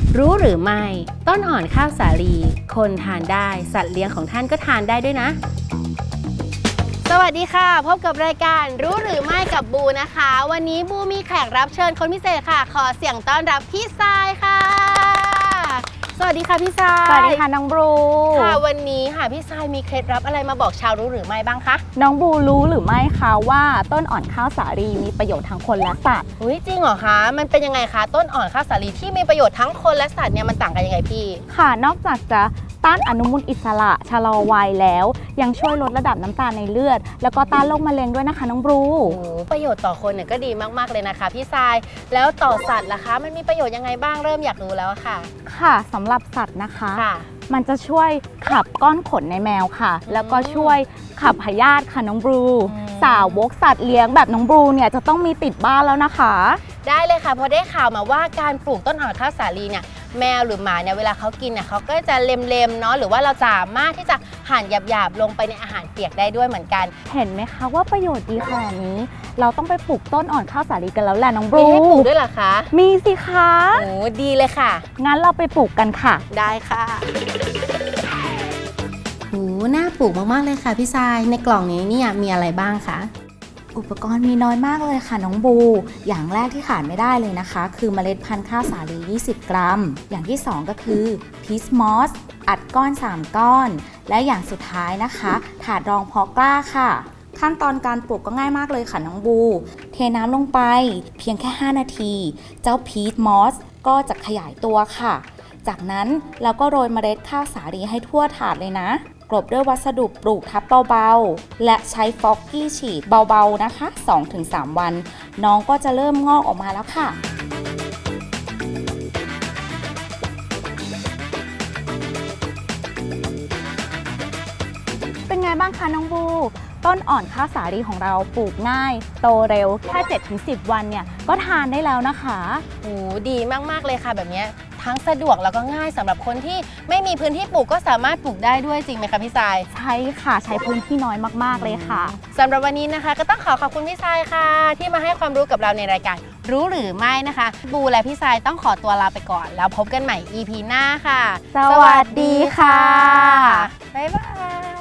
รู้หรือไม่ต้นอ่อนข้าวสาลีคนทานได้สัตว์เลี้ยงของท่านก็ทานได้ด้วยนะ สวัสดีค่ะพบกับรายการรู้หรือไม่กับบูนะคะวันนี้บูมีแขกรับเชิญคนพิเศษค่ะขอเสียงต้อนรับพี่ทรายค่ะสวัสดีค่ะพี่ทรายสวัสดีค่ะน้องบลูค่ะวันนี้ค่ะพี่ทรายมีเคล็ดลับอะไรมาบอกชาวรู้หรือไม่บ้างคะน้องบลูรู้หรือไม่คะว่าต้นอ่อนข้าวสาลีมีประโยชน์ทั้งคนและสัตว์อุ้ยจริงเหรอคะมันเป็นยังไงคะต้นอ่อนข้าวสาลีที่มีประโยชน์ทั้งคนและสัตว์เนี่ยมันต่างกันยังไงพี่ค่ะ นอกจากจะต้านอนุมูลอิสระชะลอวัยแล้ว ยังช่วยลดระดับน้ำตาลในเลือด แล้วก็ต้านโรคมะเร็งด้วยนะคะน้องบลูโอ้ประโยชน์ต่อคนเนี่ยก็ดีมากๆเลยนะคะพี่ทรายแล้วต่อสัตว์ล่ะคะมันมีประโยชน์ยังไงบ้างเริ่มอยากรู้แล้วค่ะค่ะสำหรับสัตว์นะคะค่ะมันจะช่วยขับก้อนขนในแมวค่ะ แล้วก็ช่วยขับพยาธิค่ะน้องบลูสาวกสัตว์เลี้ยงแบบน้องบลูเนี่ยจะต้องมีติดบ้านแล้วนะคะได้เลยค่ะเพราะได้ข่าวมาว่าการปลูกต้นอ่อนข้าวสาลีเนี่ยแมวหรือหมาเนี่ยเวลาเขากินเนี่ยเขาก็จะเล็มๆเนาะหรือว่าเราสามารถที่จะหั่นหยาบๆลงไปในอาหารเปียกได้ด้วยเหมือนกันเห็นไหมคะว่าประโยชน์ดีขนาดนี้ เราต้องไปปลูกต้นอ่อนข้าวสาลีกันแล้วแหละน้องบลูมีให้ปลูกด้วยเหรอคะมีสิคะโอ้ดีเลยค่ะงั้นเราไปปลูกกันค่ะได้ค่ะโหน่าปลูกมากๆเลยค่ะพี่ทรายในกล่องนี้เนี่ยมีอะไรบ้างคะอุปกรณ์มีน้อยมากเลยค่ะน้องบูอย่างแรกที่ขาดไม่ได้เลยนะคะคือเมล็ดพันธุ์ข้าวสาลี20 กรัมอย่างที่2ก็คือพีชมอสอัดก้อน3ก้อนและอย่างสุดท้ายนะคะถาดรองเพาะกล้าค่ะขั้นตอนการปลูกก็ง่ายมากเลยค่ะน้องบูเทน้ำลงไปเพียงแค่5นาทีเจ้าพีชมอสก็จะขยายตัวค่ะจากนั้นเราก็โรยเมล็ดข้าวสาลีให้ทั่วถาดเลยนะกลบด้วยวัสดุปลูกทับเบาๆและใช้ฟอกกี้ฉีดเบาๆนะคะ 2-3 วันน้องก็จะเริ่มงอกออกมาแล้วค่ะเป็นไงบ้างคะน้องบูต้นอ่อนข้าวสาลีของเราปลูกง่ายโตเร็วแค่ 7-10 วันเนี่ยก็ทานได้แล้วนะคะโอ้ดีมากๆเลยค่ะแบบนี้ทั้งสะดวกแล้วก็ง่ายสำหรับคนที่ไม่มีพื้นที่ปลูกก็สามารถปลูกได้ด้วยจริงไหมคะพี่ทรายใช่ค่ะใช้พื้นที่น้อยมากๆเลยค่ะสำหรับวันนี้นะคะก็ต้องขอบคุณพี่ทรายค่ะที่มาให้ความรู้กับเราในรายการรู้หรือไม่นะคะบูและพี่ทรายต้องขอตัวลาไปก่อนแล้วพบกันใหม่ EP หน้าค่ะสวัสดีค่ะบ๊ายบาย